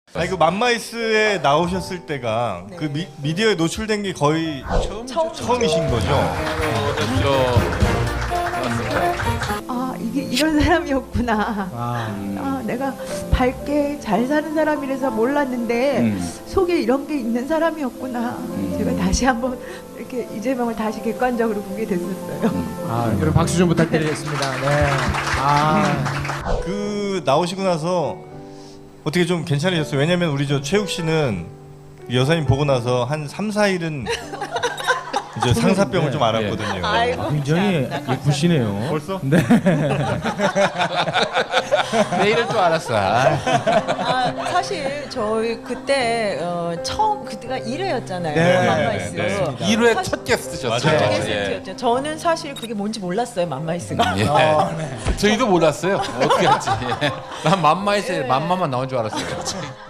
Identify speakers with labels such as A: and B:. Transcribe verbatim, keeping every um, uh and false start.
A: 아니 그 맘마이스에 나오셨을 때가
B: 네.
A: 그 미, 미디어에 노출된 게 거의
B: 처음
A: 처음이신 거죠?
B: 아 이게 이런 사람이었구나. 아, 아 내가 밝게 잘 사는 사람이라서 몰랐는데
C: 음.
B: 속에 이런 게 있는 사람이었구나. 제가 다시 한번 이렇게 이재명을 다시 객관적으로 보게 됐었어요.
D: 아, 여러분 박수 좀 부탁드리겠습니다. 네. 아,
A: 그 나오시고 나서 어떻게 좀 괜찮으셨어요? 왜냐면 우리 저 최욱 씨는 여사님 보고 나서 한 삼, 사 일은 이제 상사병을 좀 앓았거든요.
B: 아이고,
D: 굉장히
B: 감사합니다.
D: 예쁘시네요.
A: 벌써?
D: 네.
C: 내 이럴 줄 알았어. 아.
B: 아, 사실 저희 그때 어, 처음 그때가 일 회였잖아요.
A: 네,
B: 맘마이스.
A: 네, 네.
C: 일 회
B: 사실-
C: 첫 게스트셨어요.
B: 첫
A: 맞아요.
B: 게스트였죠. 저는 사실 그게 뭔지 몰랐어요, 맘마이스가.
C: 예. 저희도 몰랐어요. 어떻게 할지. 예. 난 맘마에서
B: 예.
C: 맘마만 나온 줄 알았어요.